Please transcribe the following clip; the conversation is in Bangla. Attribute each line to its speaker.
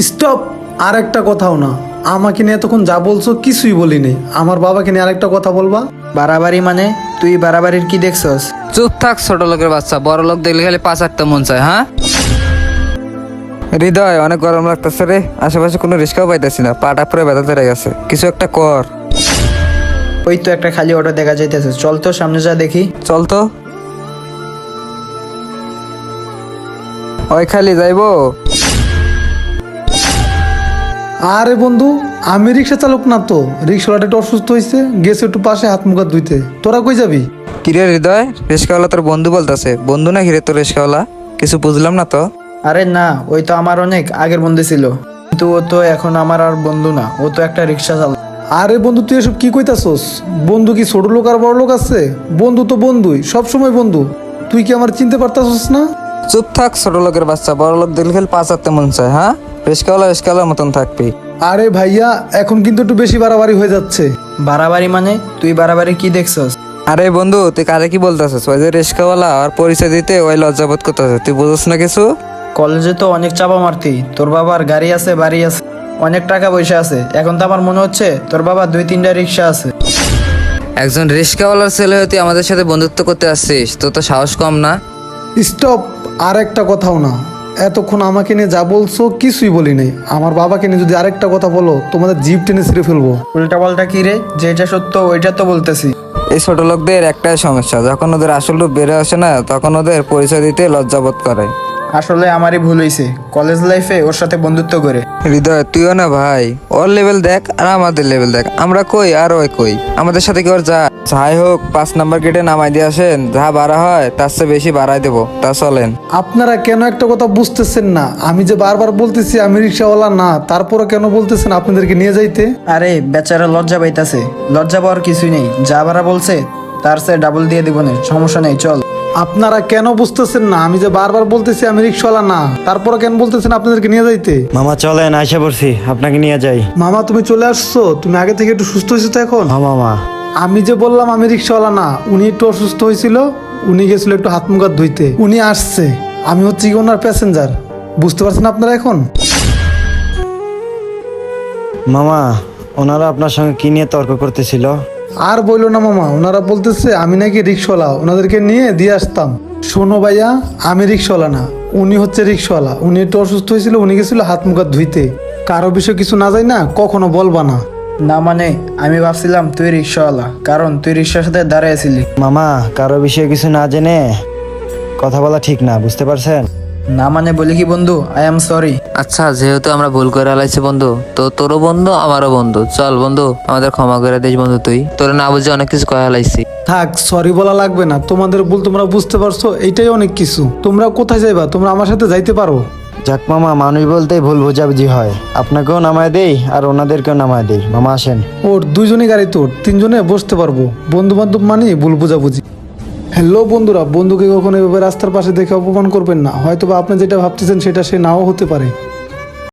Speaker 1: স্টপ। আর একটা কথাও না, আমাকে নিয়ে এতক্ষণ যা বলছো কিছুই বলিনি। আমার বাবাকে নিয়ে আরেকটা কথা বলবা?
Speaker 2: বাড়াবাড়ি মানে? তুই বাড়াবাড়ির কি দেখছস?
Speaker 3: চুপ থাক ছোট লোকের বাচ্চা, বড় লোক দেখলে খালি পাঁচ আটটা মন চায়। হ্যাঁ হৃদয়, অনেক গরম লাগতেছে রে, আশেপাশে কোনো রিস্কাও পাইতেছি না, পাটা পুরো ব্যথা ধরে গেছে, কিছু একটা কর।
Speaker 2: ওই তো একটা খালি অটো দেখা যাইতেছে, চল তো সামনে যা দেখি।
Speaker 3: চল তো। ওই খালি যাইবো?
Speaker 1: আরে বন্ধু, আমি রিক্সা চালক না তো। রিক্সাওয়ালাটা একটু অসুস্থ হয়েছে, গেছে একটু পাশে হাত মুখ ধুইতে। তোরা কই যাবি?
Speaker 3: কিরে হৃদয়, রিস্কাওয়ালা তোর বন্ধু বলতেছে? বন্ধু না হিরে তোর রিস্কাওয়ালা? কিছু বুঝলাম না তো।
Speaker 2: আরে না, ওই তো আমার অনেক আগের বন্ধু ছিল, কিন্তু ও তো এখন আমার আর বন্ধু না, ও তো একটা রিক্সা চালক।
Speaker 1: আরে বন্ধু, তুই এসব কি কইতাছস? বন্ধু কি ছোট লোক আর বড় লোক আছে? বন্ধু তো বন্ধুই, সব সময় বন্ধু। তুই কি আমার চিনতে পারতাছস না?
Speaker 3: চুপ থাক ছোট লোকের বাচ্চা, বড় লোক দেখলে খালি পাঁচ আটটা মন চায়। হ্যাঁ রিস্কাওয়ালা রিস্কাওয়ালার মতন থাকবি।
Speaker 1: আরে ভাইয়া, এখন কিন্তু একটু বেশি বাড়াবাড়ি হয়ে যাচ্ছে।
Speaker 2: বাড়াবাড়ি মানে? তুই বাড়াবাড়ি কি দেখছস?
Speaker 3: আরে বন্ধু, তুই কারে কি বলতেছিস? ওই যে রিস্কাওয়ালা আর পরিচয় দিতে ওই লজ্জাবোধ করতেছে, তুই বুঝছ না কিছু?
Speaker 2: কলেজে তো অনেক চাপা মারতি, তোর বাবার গাড়ি আছে, বাড়ি আছে, অনেক টাকা পয়সা আছে। এখন তো আমার মনে হচ্ছে তোর বাবা 2-3টা রিক্সা আছে।
Speaker 3: একজন রিস্কাওয়ালার ছেলে হয়ে তুই আমাদের সাথে বন্ধুত্ব করতে আসছিস, তোর তো সাহস কম না?
Speaker 1: স্টপ। আর একটা কথাও না। এতক্ষণ আমাকে নিয়ে যা বলছো কিছুই বলি নাই। আমার বাবাকে নিয়ে যদি আরেকটা কথা বলো, তোমাদের জিভ টেনে ছিঁড়ে ফেলবো।
Speaker 2: উল্টা পাল্টা কি রে? যেটা সত্য ওইটা তো বলতেছি।
Speaker 3: এই ছোট লোকদের একটাই সমস্যা, যখন ওদের আসল রূপ বেড়ে আসে না, তখন ওদের পরিচয় দিতে লজ্জাবোধ করে।
Speaker 2: আসলে আমারই ভুল হয়েছে কলেজ লাইফে ওর সাথে বন্ধুত্ব করে।
Speaker 3: হৃদয়, তুইও না ভাই, ওর লেভেল দেখ আর আমাদের লেভেল দেখ, আমরা কই আর ওই কই, আমাদের সাথে কি ওর যা? যাই হোক, 5 নাম্বার গেটে নামাই দিয়ে আসেন, যা বাড়া হয় তার চেয়ে বেশি বাড়াই দেবো, তা চলেন।
Speaker 1: আপনারা কেন একটা কথা বুঝতেছেন না? আমি যে বারবার বলতেছি আমি রিক্সাওয়ালা না, তারপরে কেন বলতেছেন আপনাদেরকে নিয়ে যাইতে?
Speaker 2: আরে বেচারা লজ্জা পাইতাছে, লজ্জা পাওয়ার কিছুই নেই, যা বারা বলছে তার চেয়ে ডাবল দিয়ে দিব না, সমস্যা নেই, চল।
Speaker 1: আপনারা কেন বুঝতেছেন না? আমি যে বারবার বলতেছি আমি রিক্সাওয়ালা না, তারপরে কেন বলতেছেন আপনাদেরকে নিয়ে যাইতে?
Speaker 4: মামা চলেন, আইসা পড়ছি, আপনাকে নিয়ে যাই।
Speaker 1: মামা, তুমি চলে আসছো? তুমি আগে থেকে একটু সুস্থ হয়েছো তো এখন?
Speaker 4: হ্যাঁ মামা।
Speaker 1: আমি যে বললাম আমি রিক্সাওয়ালা না, উনি একটু অসুস্থ হয়েছিল, উনি গেছিল একটু হাত মুখ ধুইতে, উনি আসছে। আমি হচ্ছে কি ওনার প্যাসেঞ্জার। বুঝতে পারছেন আপনারা এখন?
Speaker 4: মামা, ওনারা আপনার সঙ্গে কি নিয়ে তর্ক করতেছিল?
Speaker 1: আর বললো না মামা, ওনারা বলতেছে আমি নাকি রিক্সাওয়ালা, ওনাদেরকে নিয়ে দিয়ে আসতাম। শোনো ভাইয়া, আমি রিক্সাওয়ালা না, উনি হচ্ছে রিক্সাওয়ালা। উনি একটু অসুস্থ হয়েছিল, উনি গেছিল হাত মুখ ধুইতে। কারো বিষয় কিছু না যায় না, কখনো বলবা না।
Speaker 2: না মানে আমি ভাবছিলাম তুই রিক্সাওয়ালা, কারণ তুই রিক্সার সাথে দাঁড়াইছিলি।
Speaker 4: মামা, কারো বিষয়ে কিছু না জেনে কথা বলা ঠিক না, বুঝতে পারছেন?
Speaker 2: না মানে বলি কি বন্ধু, আই এম সরি।
Speaker 3: আচ্ছা, যেহেতু আমরা ভুল করে আলাইছি বন্ধু, তো তোরও বন্ধু আমারও বন্ধু, চল বন্ধু আমাদের ক্ষমা করে দিস বন্ধু, তুই তোর না বুঝে অনেক কিছু কয়ে আলাইছি।
Speaker 1: থাক, সরি বলা লাগবে না। তোমাদের ভুল তোমরা বুঝতে পারছো, এইটাই অনেক কিছু। তোমরা কোথায় যাইবা? তোমরা আমার সাথে যাইতে পারো।
Speaker 4: যাক মামা, মানুষ বলতেই ভুল বোঝাবুঝি হয়, আপনাকেও নামায় দেই আর ওনাদেরকেও নামায় দেই। মামা আসেন।
Speaker 1: ওর দুইজনই গাড়ি, তোর তিনজনে বসতে পারবো। বন্ধু বান্ধব মানে ভুল বুঝাবুঝি। হ্যালো বন্ধুরা, বন্ধুকে কখনো এভাবে রাস্তার পাশে দেখে অপমান করবেন না। হয়তো বা আপনি যেটা ভাবতেছেন সেটা সে নাও হতে পারে।